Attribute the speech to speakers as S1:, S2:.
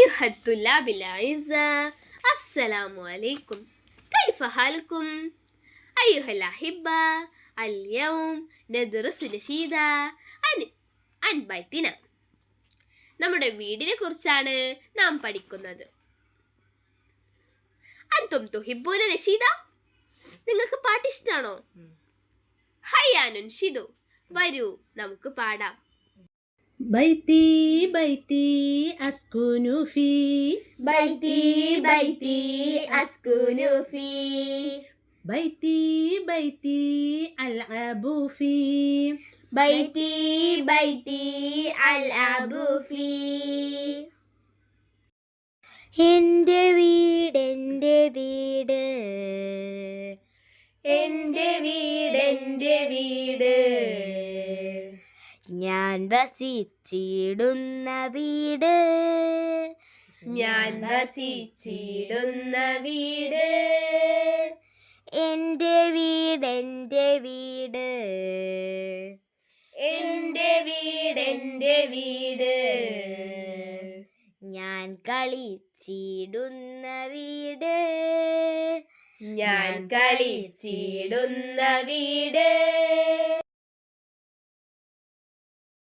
S1: أيها الطلاب الأعزاء، السلام عليكم. كيف حالكم؟ أيها الأحبة، اليوم ندرس نشيدة عن بيتنا. നമ്മുടെ വീടിനെ കുറിച്ചാണ് നാം പഠിക്കുന്നത്. അൻതും തുഹിബ്ബൂന നശീദ? നിങ്ങൾക്ക് പാട്ട് ഇഷ്ടാണോ? ഹയ്യാ നുൻഷിദു, വരൂ നമുക്ക് പാടാം.
S2: بيتي بيتي أسكن فيه
S1: بيتي بيتي أسكن فيه
S2: بيتي بيتي ألعب فيه
S1: بيتي بيتي ألعب فيه
S3: എൻ്റെ വീട് എൻ്റെ വീട്
S1: എൻ്റെ വീട് എൻ്റെ വീട്
S3: ഞാൻ വസിച്ചിടുന്ന വീട്
S1: ഞാൻ വസിച്ചിടുന്ന വീട്
S3: എൻ്റെ വീട് എൻ്റെ വീട്
S1: എൻ്റെ വീട് എൻ്റെ വീട്
S3: ഞാൻ കളിച്ചിടുന്ന വീട്
S1: ഞാൻ കളിച്ചിടുന്ന വീട്